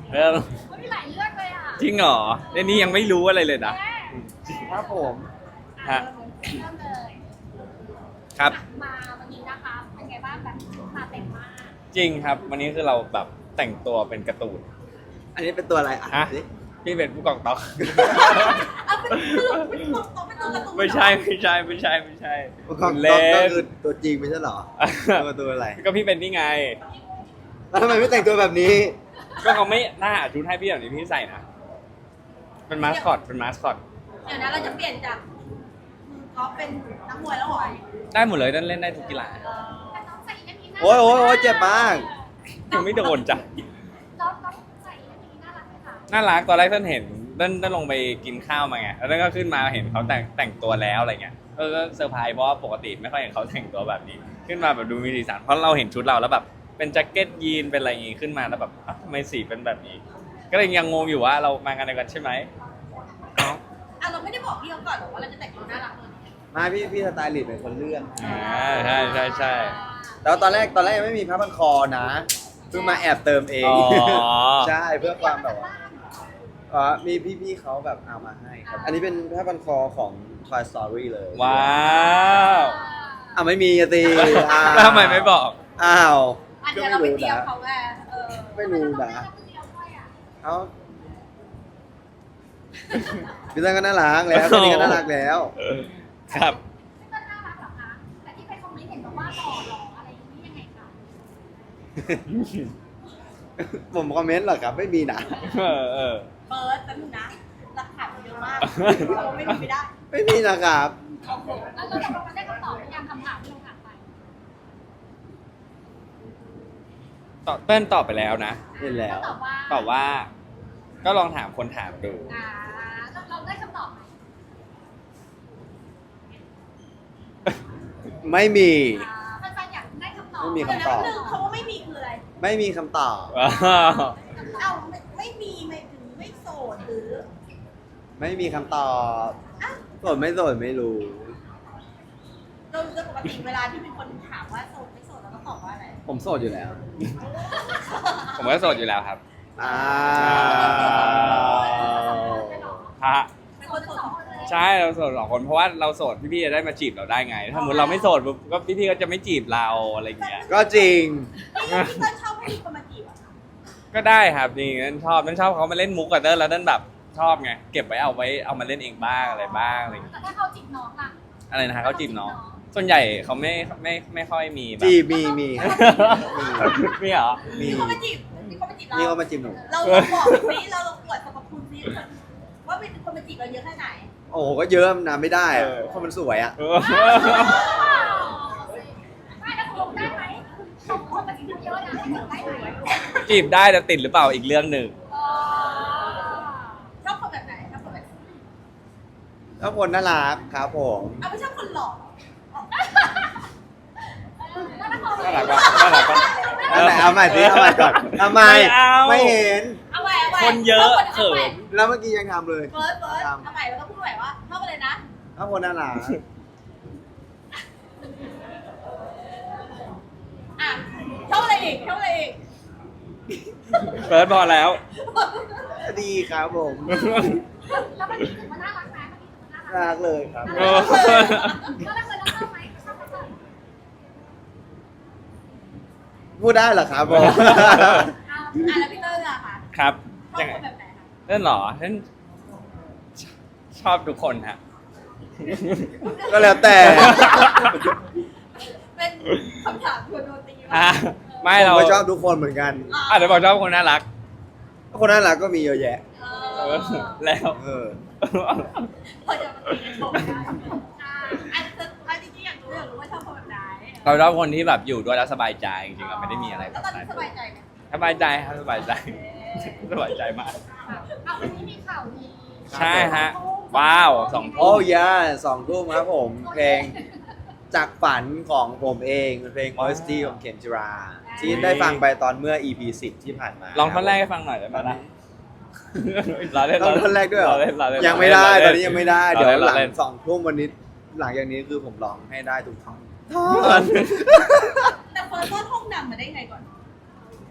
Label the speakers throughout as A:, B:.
A: เออ
B: มันมีหลายเรื่องเลยอ่ะ
A: จริงเหรอเรื่องนี้ยังไม่รู้อะไรเลยนะ
C: ครับผม
A: ฮะ
B: เริ่มเลย
A: ครับ
B: มาวันนี้นะคะเป็นไงบ้างแบบมาเต็มมาก
A: จริงครับ วันนี้คือเราแบบแต่งตัวเป็นการ์ตูน
C: อันนี้เป็นตัวอะไรอ่ะ
A: ฮะ
C: สิ
A: พี่เป็นผู้กองต๊อก
B: เอาเป็นสรุปเป็นตัวเป็นตัวการ์ตูน
A: ไม่ใช่ไม่ใช่ไม่ใช่ไม่ใช่
C: ของ
A: เล่
C: ก็
A: น
C: คือตัวจริงไม่ใช่เหรอตัวอะไร
A: ก็พี่เป็นนี่ไง
C: แล้วทำไมไม่แต่งตัวแบบนี้
A: ก็เขาไม่น่าหาชุดให้พี่แบบนี้พี่ใส่นะเป็นมาสคอตเป็นมาสคอต
B: เดี๋ยวนะเราจะเปลี่ยนจากเขาเป็นนักมวยแล้วเหรอ
A: ได้หมดเลยเล่นได้ทุกกีฬา
B: แต่น้องใส่อันนี้น่า
C: โอ้ยโอ้ยโอ้ยเจ็บมาก
A: ยังไม่โดนจ้ะ
B: น้องใส่อันนี้น่ารักไหมคะ
A: น่ารักตอนแรกเต้นเห็นเต้นลงไปกินข้าวมาไงแล้วเต้นก็ขึ้นมาเห็นเขาแต่งตัวแล้วอะไรเงี้ยก็เซอร์ไพรส์เพราะว่าปกติไม่ค่อยเห็นเขาแต่งตัวแบบนี้ ขึ้นมาแบบดูมีสีสันเพราะเราเห็นชุดเราแล้วแบบเป็นแจ็คเก็ตยีนเป็นอะไรอย่างงี้ขึ้นมาแล้วแบบอ้าวทำไมสีเป็นแบบนี้ ก็เลยยังงงอยู่ว่าเรามากันเดียวกันใช่ไหม
B: อ่ะเราไม่ได้บอกพี่เขาก่อนหรอกว่าเราจะแต่งตัวน่ารักเลย
C: มาพี่สไตลิสต์เป็นคนเลือก
A: ใช่ใช่ใช่
C: แต่ว่าตอนแรกยังไม่มีผ้าพันคอนะเพิ่งมาแอบเติมเอง
A: อ๋อ
C: ใช่เพื่อความแบบว่ามีพี่ๆเขาแบบเอามาให้ครับ อันนี้เป็นผ้าพันคอของ Toy Story เลย
A: ว้าว
C: ไม่มีอะสิ
A: แล้วทำไมไม่บอก
C: อ้าว
B: อันเดียวเราไปเตรียมเขาไง
C: ไม่รู้นะเอ้าพี่ตั้งก็น่ารักแล้วคนนี้ก็น่ารักแล้ว
A: ครับ
B: ก็น่ารักเหรอคะแต่ที่ไปคอมเมนต์เห็นบอกว่าหล่ออะไรอย่างนี้ยังไงคะ
C: ผมคอมเมนต์เหรอครับไม่มีนะ
A: เออ
B: เปิดแป๊บนึงนะหลักฐานมันเยอะมากเราไม่มีไม่ได้
C: ไม่มีนะครับ
B: โอ้โหแล้วเราจะมาได้คำตอบหรือยังคำถามที่เราถามไป
A: เต้นตอบไปแล้วนะ
C: เห็นแล้ว
B: ตอบว่า
A: ตอบว่า ก็ลองถามคนถามดู
B: เราได้คำตอบไหม
C: ไม่มี
B: แฟนๆอยากได้คำตอบ
C: ไม่มีคำตอบ
B: เดี๋ยวนะคำว่าไม่มีคืออะไร
C: ไม่มีคำตอบ
B: เอ้าไม่มีไม่ถึงไม่โสดหรือ
C: ไม่มีคำตอบโสดไม่โสดไม่รู้
B: โดยปกติเวลาที่มีคนถามว่าโสดไม่โสดเราก็ตอบว่าอะไร
C: ผมโสดอยู่แล้ว
A: ผมก็โสดอยู่แล้วครับ
C: อ้าว
A: ฮะ
B: เป็นคนโสดเลย
A: ใช่เราโสดสองคนเพราะว่าเราโสดพี่ๆจะได้มาจีบเราได้ไง ถ้าสมมติเราไม่โสดปุ๊บก็พี่ๆก็จะไม่จีบเราอะไรอย่างเงี้ย
C: ก็จริง
B: พี่เต้นชอบให้มีคนมาจีบอ่ะ
A: ก็ได้ครับจริงนั่นชอบเขามาเล่นมุกกับเต้นแล้วเต้นแบบชอบไงเก็บไว้เอามาเล่นเองบ้างอะไรบ้างอะไรอย่างเงี้ย
B: แต่ถ้าเขาจีบน้องล่ะ
A: อะไรนะฮะเขาจีบน้องส่วนใหญ่เขาไม่ค่อยมีแบบ
C: จีบมี
A: มีเหรอ
C: มี
B: มีคนมาจีบมีคนมาจีบเรา
C: นี่ก็มาจีบหนู
B: เราบอกสิเราลองอวดสรรพคุณสิว่าเป็นคนมาจีบเราเยอะแค่ไหน
C: โอ้โหก็เยอะนะไม่ได้อะเพราะมันสวยอ่ะ
B: ไม่แล้วลงได้ไหมสองคนมาจีบเยอะนะให้จีบได้ไหม
A: จีบได้แต่ติดหรือเปล่าอีกเรื่องหนึ่ง
B: ชอบคนแบบไหนชอบคนแบบ
C: ถ้าคนน่ารักครับผม
B: เอาไม่ชอบคนหล่อ
A: น่ารักปะน่ารักปะ
C: เอาใหม่เอาใหม่สิเอาใหม่ก่อนทำไม
A: ไม่เอา
C: ไม่เห็น
B: เอาไว้
A: คนเยอะเขิน
C: แล้วเมื่อกี้ยังทำเลย
B: เฟิร์สเอาใหม่แล้วก็พูดใหม่ว่าชอบอะไรนะ
C: ถ้าคนน่ารัก
B: อ่ะชอบอะไรอีกชอบอะไรอีก
A: เฟิร์สพอแล้ว
C: ดีครับผม
B: แล้วมันถือว่าน่ารักไหมมันถือว่าน่ารัก
C: น่ารักเลยครับ
A: โอ้
B: แล้วเราเคยรักชอบไหมชอบไหม
C: พูดได้เหรอครับผม
B: แล้วพี่เตอร์ล่ะคะ
A: ครับ
B: ชอบ
A: ยังไง
B: คนแบบไหนคะ
A: เล่นเหรอเล่นชอบทุกคนฮะ
C: ก็แล้วแต่
B: เป็นคำถามชวนโดนตี
A: อ่ะไม่
C: ผม
A: เรา
C: ก็ชอบทุกคนเหมือนกัน
A: อาจจะบอกชอบคนน่ารัก
C: คนน่ารักก็มีเยอะแยะ
A: แล้ว
C: เออ
B: พอจะมาตีกันผมอันจริงๆอยากรู้ว่าชอบคนแบบไหน
A: เราชอบคนที่แบบอยู่ด้วยแล้วสบายใจจริงๆเราไม่ได้มีอะไรแบ
B: แล้ว
A: บ
B: ตอน
A: นั้
B: นี้
A: น
B: สบายใจไหม
A: สบายใจครับสบายใจ สบายใจมาก
B: เอาวันนี้มีข่าวดี
A: ใช่ฮะ ว้าวสอง
C: โอ้
A: ทุ่ม
C: ยา2 ทุ่มครับผม เพลงจากฝันของผมเองเป็นเพลง OST ของเคนจิรา ที่ได้ฟังไปตอนเมื่อ EP 10 ที่ผ่านมา
A: ลองท่อนแรกให้ฟังหน่อยได้ไหมล่ะเราเล่น
C: ต้องท่อนแรกด้วยเหรอ
A: เราเล่นเราเล่น
C: ยังไม่ได้
A: เรา
C: ต
A: เล่
C: อนนี้ยังไม่ได้ เดี๋ยวหลัง
A: เราเล่น
C: 2 ทุ่มวันนี้ หลังจากนี้คือผมร้องให้ได้ทุกท่อน
B: แต่เฟิร์สต้นห้องดำมาได้ไงก่อน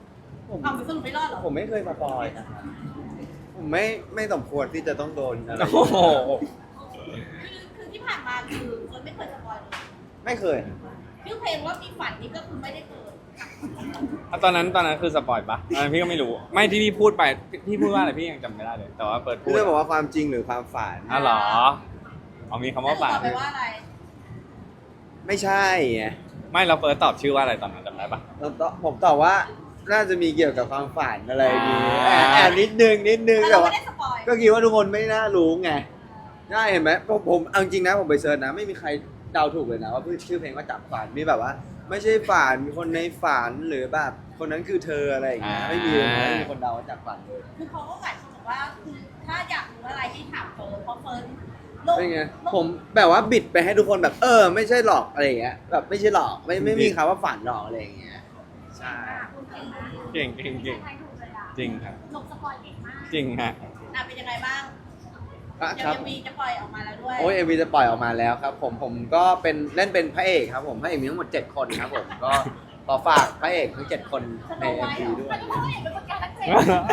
C: ผม
B: เอาไปสรุปไม่รอดเหรอ
C: ผมไม่เคยมาปอยนะครับผมไม่สมควรที่จะต้องโดนอะไร
A: โอ้โห
B: คือที่ผ่านมาคือคนไม่เคยสปอยเลย
C: ไม่เคย
B: ชื่อเพลงว่ามีฝันนี่ก็คือไม่ได้เกิด
A: ตอนนั้นคือสปอยปะตอนนั้นพี่ก็ไม่รู้ ไม่ที่พี่พูดไปพี่พูดว่าอะไรพี่ยังจำไม่ได้เลย แต่ว่าเปิดพูด
C: เรื่องบอกว่าความจริงหรือความฝัน
A: อ๋อเหรอเอามีคำว่าฝัน
B: ตอบไปว่าอะไร
C: ไม่ใช่ไง
A: ไม่เราเปิดตอบชื่อว่าอะไรตอนนั้นจำได้ปะ
C: ผมตอบว่าน่าจะมีเกี่ยวกับความฝันอะไรอย่างงี้
A: อ่า
C: แอบนิดนึง
B: แต่
C: แต่
B: เรา
C: ว่า
B: ไม่ได้สปอย
C: ก็คิดว่าทุกคนไม่น่ารู้ไงได้เห็นไหมผมเอาจริงนะผมไปเซิร์ชนะไม่มีใครเดาถูกเลยนะว่าชื่อเพลงว่าจับฝันมีแบบว่า ไม่ใช่ฝันมีคนในฝันหรือแบบคนนั้นคือเธออะไรอย่างเงี้ยไม่มีเลยนะไม่มีคนเดาว่าจับฝันเลย
B: คือเขาก็หมายความบอกว่าคือถ้าอยากรู้อะไรให้ถามเฟิร์นเพราะเฟิร์นโลก
C: เป็นไงผมแบบว่าบิดไปให้ทุกคนแบบไม่ใช่หลอกอะไรอย่างเงี้ยแบบไม่ใช่หลอกไม่มีคำว่าฝันหลอกอะไรอย่างเงี้ยใช่
B: คุณเก่งมาก
A: เก่งจริงครับ
B: ลงสปอยเก่งมาก
A: จริงฮะ
B: เป็นยังไงบ้าง
C: ครับ
B: ยังมีจะปล่อยออกมาแล้วด้วย
C: โอ้ยเอ็มวีจะปล่อยออกมาแล้วครับผมก็เป็นเล่นเป็นพระเอกครับผมพระเอกมีทั้งหมด7คนครับผมก็ขอฝากพระเอกทั้ง7คนใน MV ด้วย
B: อันนี้เขาเห็นเป็นประกาศเจ็ด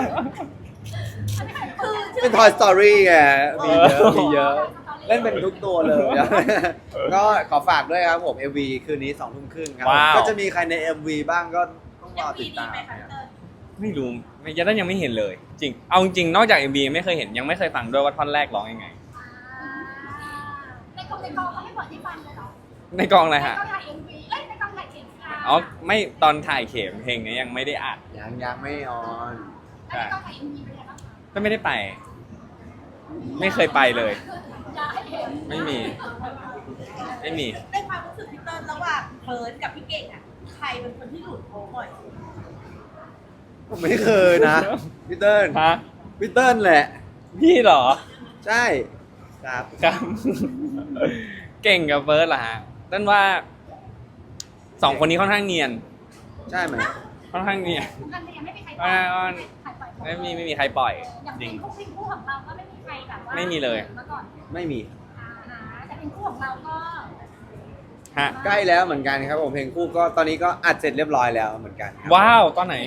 B: คือชื่
C: เป็น Toy Story ไงมีเยอะเล่นเป็นทุกตัวเลย ก็ขอฝากด้วยครับผม MV คืนนี้2 ทุ่มครึ่งครับ
A: ว้าว
C: ก็จะมีใครใน MV บ้างก็ต้องร
B: ยั
C: อง
B: มี
C: ติด
B: ดี
C: ตาม
B: ไหมคะเติ้ล
A: ไม่รู้ยังไม่เห็นเลย จริง เอาจริงนอกจาก MV ไม่เคยเห็นยังไม่เคยฟังด้วยว่าท่อนแรกร้องยังไง
B: ในกองเขาให้เปิดที่ฟังเลยเหรอ
A: ในกองอะไรฮะ
B: ในกองถ่าย MV ในกองถ่ายเข็มค่ะ
A: อ๋อไม่ตอนถ่ายเข็มเพลงนี้ยังไม่ได้อัด
C: ยังไม่ออน
B: แล้วในกองถ่าย MV เป็นยังไงบ้างคะ
A: ก็ไม่ได้ไป ไม่เคยไปเลย
B: อยากให้เห็น
A: ไม่มี ไม่มี
B: ในความรู้สึกพี่เติ้ลระหว่างเฟิร์นกับพี่เก่งอ่ะใครเป็นคนที่หลุดโค้งบ่อย
C: ผมไม่เคยนะพี่เติ้ล
A: ฮะ
C: พี่เติ้ลแหละ
A: พี่เหรอ
C: ใช่ครับ
A: ครับ เก่งกับเฟิร์สเหรอฮะต้นว่าสองคนนี้ค่อนข้างเนียน
C: ใช่ไหม
A: ค่อนข้างเนียน
B: กันเลยไม่มีใคร
A: ไม่มีใครปล่อย
B: อย่าง
A: จริง
B: เป็นคู่ของเราก็ไม่มีใครแบบว่า
A: ไม่มีเลย
B: มาก่อน
C: ไม่มี
B: แต่เป็นคู่ของเราก็
A: ฮะ
C: ใกล้แล้วเหมือนกันครับผมเพลงคู่ก็ตอนนี้ก็อัดเสร็จเรียบร้อยแล้วเหมือนกันครับ
A: ว้าวตอนไหน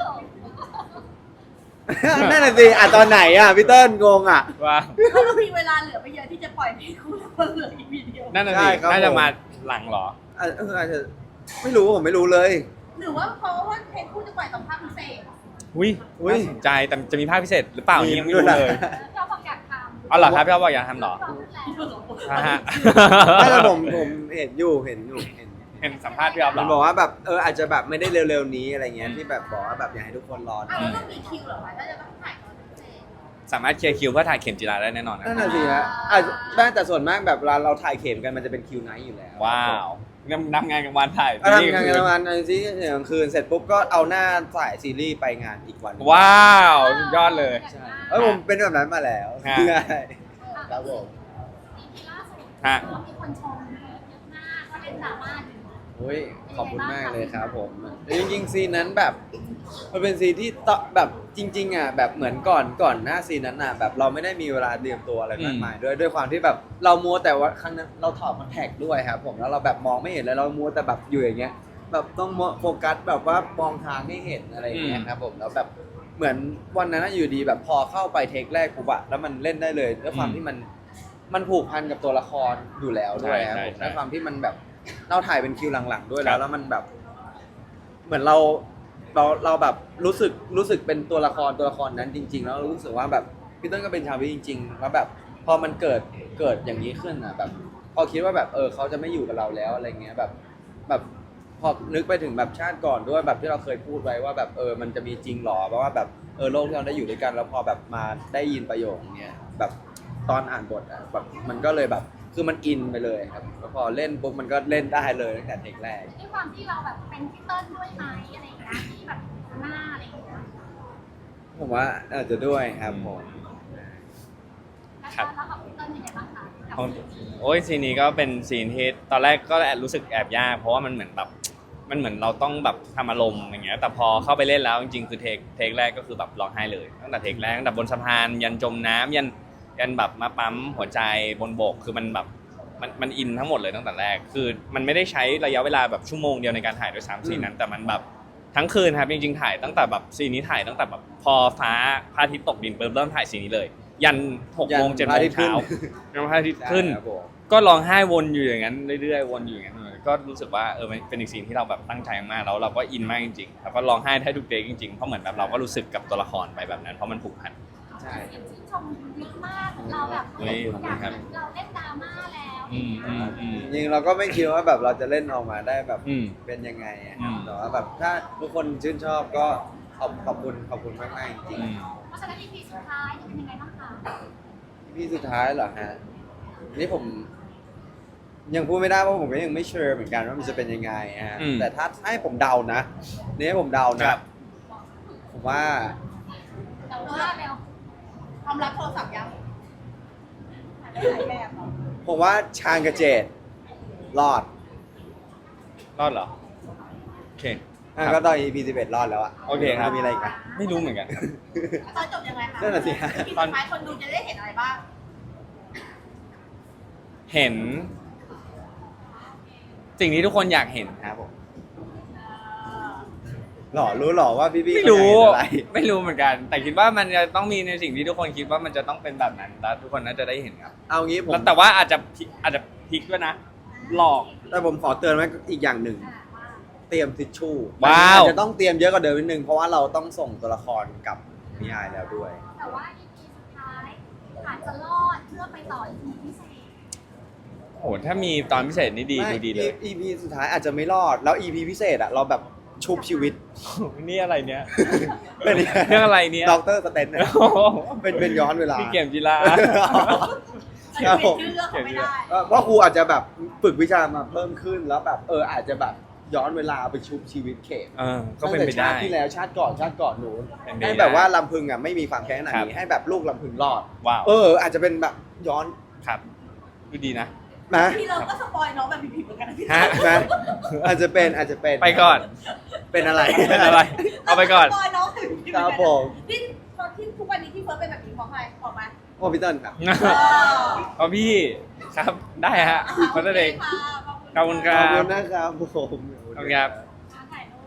C: นั่นน่ะสิอัดตอนไหนอ่ะพี่เติ้ลงงอ่ะ
A: ว้าว
B: เรามีเวลาเหลือไม่เยอะที่จะปล่อยเพลงคู่แล้วเหลืออีกวิดีโอ
A: นั่นน่ะ
C: ใช่
A: สิ
C: ครับ
A: น่าจะ
C: ผม
A: มาหลังเหรอ
C: อาจจะไม่รู้ผมไม่รู้เลย
B: หรือว่าเพราะว่าเพลงคู่จะปล่อยตอนภาคพิเศษ
A: อุ้ย
C: อุ๊ย
A: น่าสนใจแต่จะมีภาคพิเศษหรือเปล่านี่ยังไม่รู้
C: มีด้วย
A: เลย
C: นะ
B: เราบอกอยากทำ
A: เอาเหรอครับพี่อ๊อฟบอกอยากทำเหรอฮะฮะ
C: ไม่แต่ผมเห็นอยู่
A: เห็นสัมภาษณ์พี่อ๊อฟเหร
C: มัน
A: อ
C: บอกว่าแบบอาจจะแบบไม่ได้เร็วๆนี้อะไรเงี้ยที่แบบบอกว่าแบบอยากให้ทุกคนรอดู
B: อ้าวแล้วต้องมีคิวเหรอคะถ้าจะต้องถ่ายตอนพิเศษ
A: สามารถเคลียร์คิวเพื่อถ่ายเข็มจีราได้แน่นอนนะ
C: นั่นน่ะสิฮะอาจจะได้แต่ส่วนมากแบบเวลาเราถ่ายเข็มกันมันจะเป็นคิวไนท์อยู่แล้ว
A: ว้าวนำงานกลางวันถ่าย
C: ทำงานกันวันซีรีส์กลางคืนเสร็จปุ๊บก็เอาหน้าถ่ายซีรีส์ไปงานอีกวัน
A: ว้าวสุดยอดเลย
C: ใช่ผมเป็นแบบนั้นมาแล้ว
A: ฮะ
C: ใช่ครับผม
B: ปีล่าสุด
A: ฮะ
B: มีคนชมเยอะมากก็เล่นดราม่าอยู่
C: โอ้ยขอบคุณมากเลยครับผมจริงๆซีนนั้นแบบมันเป็นซีนที่แบบจริงๆอ่ะแบบเหมือนก่อนหน้าซีนนั้นอ่ะแบบเราไม่ได้มีเวลาเตรียมตัวอะไรมากมายด้วยความที่แบบเรามัวแต่ว่าครั้งนั้นเราถอดคอนแทคด้วยครับผมแล้วเราแบบมองไม่เห็นเลยเรามัวแต่แบบอยู่อย่างเงี้ยแบบต้องโฟกัสแบบว่ามองทางให้เห็นอะไรอย่างเงี้ยครับผมแล้วแบบเหมือนวันนั้นอยู่ดีแบบพอเข้าไปเทคแรกปุ๊บอะแล้วมันเล่นได้เลยด้วยความที่มันผูกพันกับตัวละครอยู่แล้วด้วยครับผมด้วยความที่มันแบบเราถ่ายเป็นคิวหลังๆด้วยแล้วมันแบบ เหมือนเราแบบรู้สึกเป็นตัวละครนั้นจริง ๆ แล้วรู้สึกว่าแบบพี่เติ้ลก็เป็นชาววิจริงๆแล้วแบบพอมันเกิดอย่างนี้ขึ้นอ่ะแบบพอคิดว่าแบบเขาจะไม่อยู่กับเราแล้วอะไรเงี้ยแบบพอนึกไปถึงแบบชาติก่อนด้วยแบบที่เราเคยพูดไว้ว่าแบบมันจะมีจริงหรอเพราะว่าแบบโลกที่เราได้อยู่ด้วยกันแล้วพอแบบมาได้ยินประโยคเนี้ยแบบตอนอ่านบทอ่ะแบบมันก็เลยแบบคือมันอินไปเลยครับแล้วพอเล่นปุ๊บมันก็เล่นได้เลยตั้งแต่เทคแรก
B: ด้วยความที่เราแบบเป็นพี่เติ้ลด้วยไหมอะไรอย่างเงี้ยที่แบบหน้าอะไรอย่างเงี้ย
C: ผมว่าอาจจะด้วยครับผม
B: แล้วของพี่เติ้ลเป็นยังไงบ้างคะ
A: ของโอ้ยซีนนี้ก็เป็นซีนที่ตอนแรกก็แอบรู้สึกแอบยากเพราะว่ามันเหมือนแบบมันเหมือนเราต้องแบบทำอารมณ์อย่างเงี้ยแต่พอเข้าไปเล่นแล้วจริงๆคือเทคแรกก็คือแบบร้องไห้เลยตั้งแต่เทคแรกตั้งแต่บนสะพานยันจมน้ำยันแบบมาปั๊มหัวใจบนบกคือมันแบบมันอินทั้งหมดเลยตั้งแต่แรกคือมันไม่ได้ใช้ระยะเวลาแบบชั่วโมงเดียวในการถ่ายด้วยซ้ำซีนนั้นแต่มันแบบทั้งคืนครับจริงๆถ่ายตั้งแต่แบบซีนนี้ถ่ายตั้งแต่แบบพอพระอาทิตย์ตกดินปุ๊บเริ่มถ่ายซีนนี้เลย ยัน6 โมง 7 โมงเช้ายันพระอาทิตย์ขึ้น
C: ครับผม
A: ก็ร้องไห้วนอยู่อย่างนั้นเรื่อยๆวนอยู่อย่างนั้นก็รู้สึกว่ามันเป็นอีกซีนที่เราแบบตั้งใจมากแล้วเราก็อินมากจริงๆแล้วก็ร้องไห้ได้ทุกเทคจริงๆเพราะเหมือนแบบเราก็รู้สึกกับตัวละครไปแบบนั้นเพราะมันผูกพัน
C: ใช่
B: เสียงชื่นชมเยอะมากเราแบบ
A: เฮ้ยขอบคุณครับ
B: เราเล่นดราม่าแล้ว
A: อืม
C: จริงๆเราก็ไม่คิดว่าแบบเราจะเล่นออกมาได้แบบ
A: อืม
C: เป็นยังไงอะ
A: อืม
C: แต่ว่าแบบถ้าทุกคนชื่นชอบก็ขอบคุณมากๆจริง
A: อืม
B: เพราะฉะนั้น EP สุดท้ายจะเป็นยังไงบ้างคะ
C: ๆพี่สุดท้ายเหรอฮะนี่ผมยังพูดไม่ได้เพราะผมก็ยังไม่เชื่อเหมือนกันว่ามันจะเป็นยังไงฮะ
A: อืม
C: แต่ถ้าให้ผมเดานะนี่ให้ผมเดานะครับ ผมว่า
B: แต่ว่าเร็ว
D: ความรักโทรศัพท์ยังหลายแบบเหรอ
C: ผมว่าชางกับเจดรอด
A: รอดเหรอโอเค
C: อ่ะ
A: ครับ
C: ก็ตอน EP 11รอดแล้วอะ
A: โอเคครับ
C: มีอะไรอีกไหม
A: ไม่รู้เหมือนกัน
D: ตอนจบยังไงคะ
C: นั่นน่ะสิฮะ
D: ที่สุดท้ายคนดูจะได้เห็นอะไรบ้าง
A: เห็น สิ่งที่ทุกคนอยากเห็นครับผม
C: หล่อรู้หล่อว่าพี่ๆ
A: ไม่รู้
C: เขาอยากเห็นอะไร
A: ไม่รู้เหมือนกัน แต่คิดว่ามันจะต้องมีในสิ่งที่ทุกคนคิดว่ามันจะต้องเป็นแบบนั้นแล้วทุกคนน่าจะได้เห็นครับ
C: เอางี้ผม
A: แล้วแต่ว่าอาจจะพลิกด้วยนะ หลอก
C: แต่ผมขอเตือนไว้อีกอย่างหนึ่ง เตรียมทิชชู่
A: ว้าว
C: อาจจะต้องเตรียมเยอะกว่าเดิมนิดนึงเพราะว่าเราต้องส่งตัวละครกับนิยายแล้วด้วย
B: แต่ว่า EP สุดท้ายอาจจะรอดเพื่อไปต่อ EP พิเศษ
A: โอ้โหถ้ามีตอนพิเศษนี่ดี
C: ไม่
A: ดูดีเลย
C: EP สุดท้ายอาจจะไม่รอด แล้ว EP พิเศษอะเราแบบชุบชีวิต
A: นี่อะไรเนี้ย
C: เป็น
A: เรื่องอะไรเนี่ย
C: ด็อกเตอร์สเตนเนี่ย
A: โอ้โห
C: เป็นย้อนเวลา
A: พี่เกี่ยมจีรา
C: ครับผม
D: ชื่อเรื่องเขาไม่ได้
C: ว่าครูอาจจะแบบฝึกวิชามาเพิ่มขึ้นแล้วแบบอาจจะแบบย้อนเวลาไปชุบชีวิตเขต
A: ก็เป็นไป
C: ตั้งแต่
A: ได้
C: ชาติที่แล้วชาติก่อนหนู
A: เป็นไปได้
C: ให้แบบว่าลำพึงอ่ะไม่มีความแค้นขนาด
A: ครั
C: นี้
A: บ
C: ให้แบบลูกลำพึงรอด
A: ว้าว
C: อาจจะเป็นแบบย้อน
A: ครับดูดีนะ
C: นะ
D: พี่เราก็สปอยน้องแบบผิดๆเหมือนกันนะพี่
A: ฮะ
C: นะอาจจะเป็น
A: ไปก่อน
C: เป็นอะไร
A: เป็นอะไร เอาไปก่อน
D: สปอยน้องแบบผิดๆเห
C: ค
D: มือน
C: รับ
D: กัน
C: ผม
D: ที่ตอนที่ทุกวันนี้ที่เฟิร์สเป็นแบบนี้เพราะใครออกมา
C: โอ้พี่เติ้ลครับ
A: เอาพี่ครับได้ฮะเพราะนั่นเอง
D: ขอบคุณ
A: ขอบคุณค
C: ข
A: รั
C: อบบ คุณนะครับผม
A: ขอบคุณครับ